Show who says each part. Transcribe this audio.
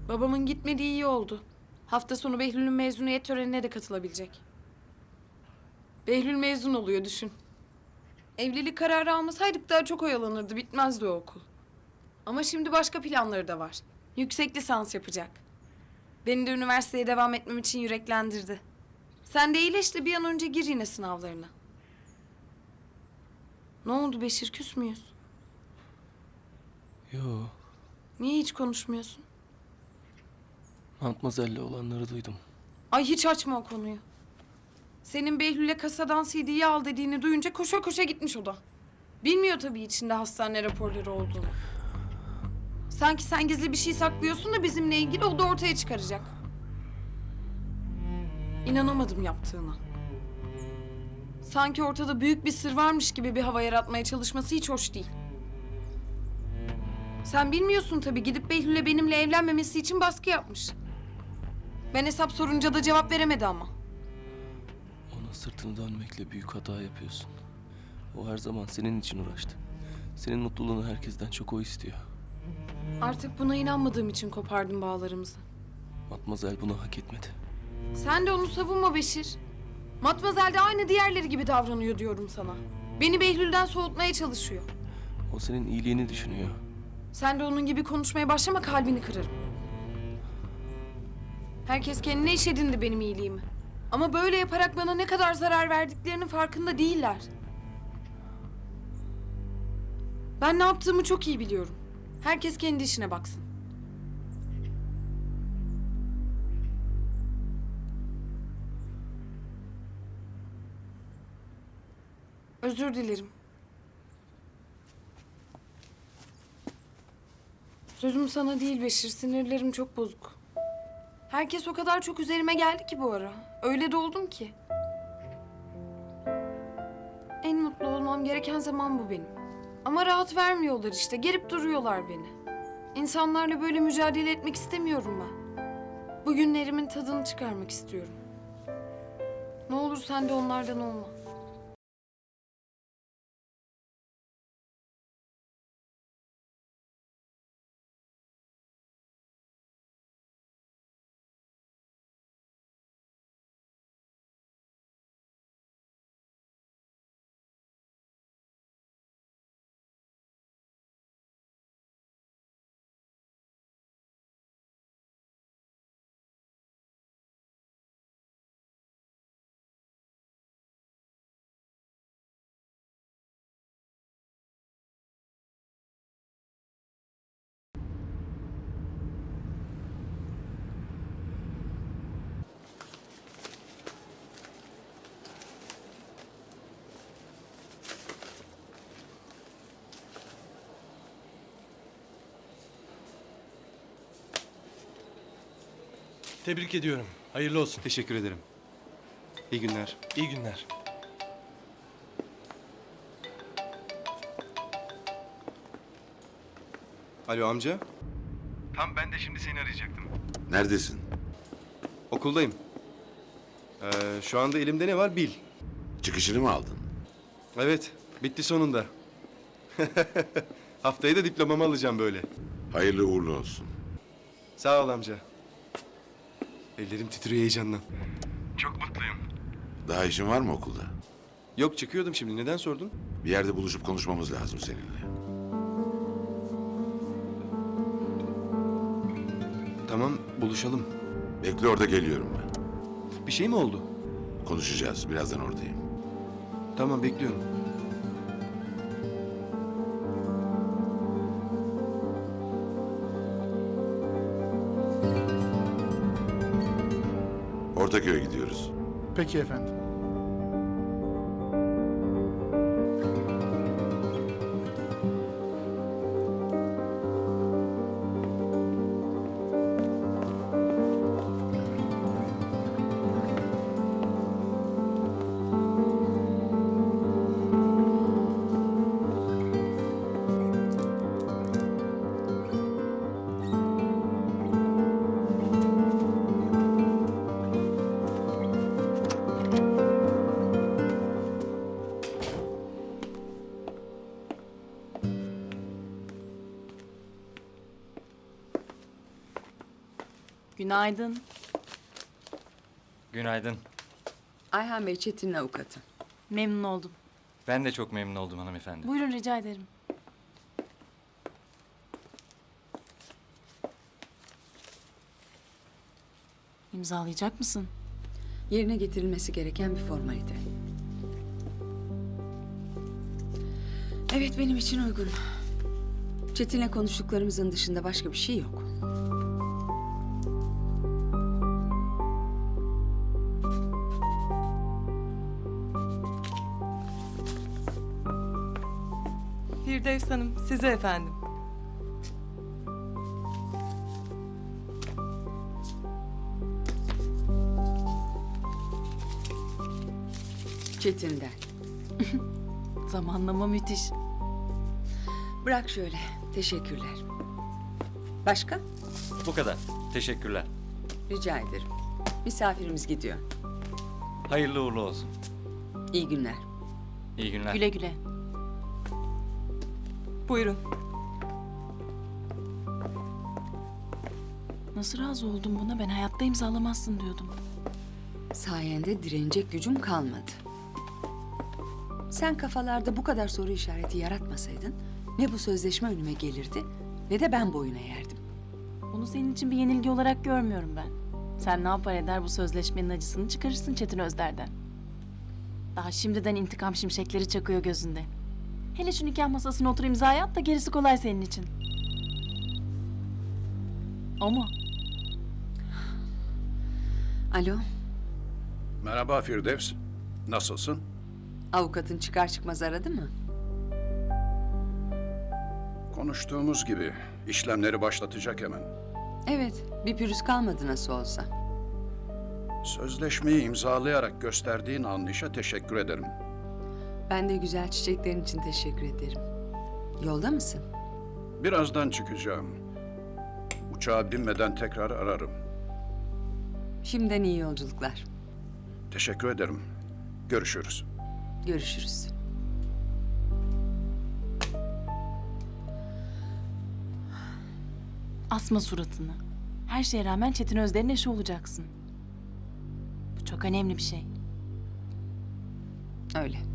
Speaker 1: Babamın gitmediği iyi oldu. Hafta sonu Behlül'ün mezuniyet törenine de katılabilecek. Behlül mezun oluyor düşün. Evlilik kararı almasaydık daha çok oyalanırdı, bitmezdi o okul. Ama şimdi başka planları da var. Yüksek lisans yapacak. Beni de üniversiteye devam etmem için yüreklendirdi. Sen de iyileş de bir an önce gir yine sınavlarına. Ne oldu Beşir, küs müyüz?
Speaker 2: Yo,
Speaker 1: Niye hiç konuşmuyorsun?
Speaker 2: Matmazel'le olanları duydum.
Speaker 1: Ay hiç açma o konuyu. Senin Behlül'e kasadan CD'yi al dediğini duyunca koşa koşa gitmiş o da. Bilmiyor tabii içinde hastane raporları olduğunu. Sanki sen gizli bir şey saklıyorsun da bizimle ilgili o da ortaya çıkaracak. İnanamadım yaptığına. Sanki ortada büyük bir sır varmış gibi bir hava yaratmaya çalışması hiç hoş değil. Sen bilmiyorsun tabii, gidip Behlül'e benimle evlenmemesi için baskı yapmış. Ben hesap sorunca da cevap veremedi ama.
Speaker 2: Ona sırtını dönmekle büyük hata yapıyorsun. O her zaman senin için uğraştı. Senin mutluluğunu herkesten çok o istiyor.
Speaker 1: Artık buna inanmadığım için kopardım bağlarımızı.
Speaker 2: Matmazel bunu hak etmedi.
Speaker 1: Sen de onu savunma Beşir. Matmazel de aynı diğerleri gibi davranıyor diyorum sana. Beni Behlül'den soğutmaya çalışıyor.
Speaker 2: O senin iyiliğini düşünüyor.
Speaker 1: Sen de onun gibi konuşmaya başlama, kalbini kırarım. Herkes kendine iş edindi benim iyiliğimi. Ama böyle yaparak bana ne kadar zarar verdiklerinin farkında değiller. Ben ne yaptığımı çok iyi biliyorum. Herkes kendi işine baksın. Özür dilerim. Sözüm sana değil Beşir, sinirlerim çok bozuk. Herkes o kadar çok üzerime geldi ki bu ara. Öyle de oldum ki. En mutlu olmam gereken zaman bu benim. Ama rahat vermiyorlar işte, gerip duruyorlar beni. İnsanlarla böyle mücadele etmek istemiyorum ben. Bu günlerimin tadını çıkarmak istiyorum. Ne olur sen de onlardan olma.
Speaker 3: Tebrik ediyorum. Hayırlı olsun.
Speaker 4: Teşekkür ederim. İyi günler.
Speaker 3: İyi günler.
Speaker 4: Alo amca.
Speaker 5: Tam ben de şimdi seni arayacaktım.
Speaker 6: Neredesin?
Speaker 4: Okuldayım. Şu anda elimde ne var bil.
Speaker 6: Çıkışını mı aldın?
Speaker 4: Evet, bitti sonunda. Haftaya da diplomamı alacağım böyle.
Speaker 6: Hayırlı uğurlu olsun.
Speaker 4: Sağ ol amca. Ellerim titriyor heyecandan.
Speaker 5: Çok mutluyum.
Speaker 6: Daha işin var mı okulda?
Speaker 4: Yok, çıkıyordum şimdi. Neden sordun?
Speaker 6: Bir yerde buluşup konuşmamız lazım seninle.
Speaker 4: Tamam, buluşalım.
Speaker 6: Bekle, orada geliyorum ben.
Speaker 4: Bir şey mi oldu?
Speaker 6: Konuşacağız. Birazdan oradayım.
Speaker 4: Tamam, bekliyorum.
Speaker 6: Ortaköy'e gidiyoruz.
Speaker 3: Peki efendim.
Speaker 7: Günaydın.
Speaker 8: Günaydın.
Speaker 9: Ayhan Bey Çetin'in avukatı.
Speaker 7: Memnun oldum.
Speaker 8: Ben de çok memnun oldum hanımefendi.
Speaker 7: Buyurun rica ederim. İmzalayacak mısın?
Speaker 9: Yerine getirilmesi gereken bir formalite. Evet, benim için uygun. Çetin'le konuştuklarımızın dışında başka bir şey yok.
Speaker 7: Firdevs Hanım, size efendim.
Speaker 9: Çetin'den.
Speaker 7: Zamanlama müthiş.
Speaker 9: Bırak şöyle. Teşekkürler. Başka?
Speaker 8: Bu kadar. Teşekkürler.
Speaker 9: Rica ederim. Misafirimiz gidiyor.
Speaker 8: Hayırlı uğurlu olsun.
Speaker 9: İyi günler.
Speaker 8: İyi günler.
Speaker 7: Güle güle. Buyurun. Nasıl razı oldun buna? Ben hayatta imzalamazsın diyordum.
Speaker 9: Sayende direnecek gücüm kalmadı. Sen kafalarda bu kadar soru işareti yaratmasaydın ne bu sözleşme önüme gelirdi ne de ben boyun eğerdim.
Speaker 7: Bunu senin için bir yenilgi olarak görmüyorum ben. Sen ne yapar eder bu sözleşmenin acısını çıkarırsın Çetin Özder'den. Daha şimdiden intikam şimşekleri çakıyor gözünde. Hele şu nikah masasına otur imzaya at da gerisi kolay senin için. O mu?
Speaker 9: Alo,
Speaker 10: Merhaba Firdevs. Nasılsın?
Speaker 9: avukatın çıkar çıkmaz aradı mı?
Speaker 10: Konuştuğumuz gibi işlemleri başlatacak hemen.
Speaker 9: Evet, bir pürüz kalmadı nasıl olsa.
Speaker 10: Sözleşmeyi imzalayarak gösterdiğin anlayışa teşekkür ederim.
Speaker 9: Ben de güzel çiçeklerin için teşekkür ederim. Yolda mısın?
Speaker 10: Birazdan çıkacağım. Uçağa binmeden tekrar ararım.
Speaker 9: Şimdiden iyi yolculuklar.
Speaker 10: Teşekkür ederim. Görüşürüz.
Speaker 9: Görüşürüz.
Speaker 7: Asma suratını. Her şeye rağmen Çetin Özder'in eşi olacaksın. Bu çok önemli bir şey.
Speaker 9: Öyle.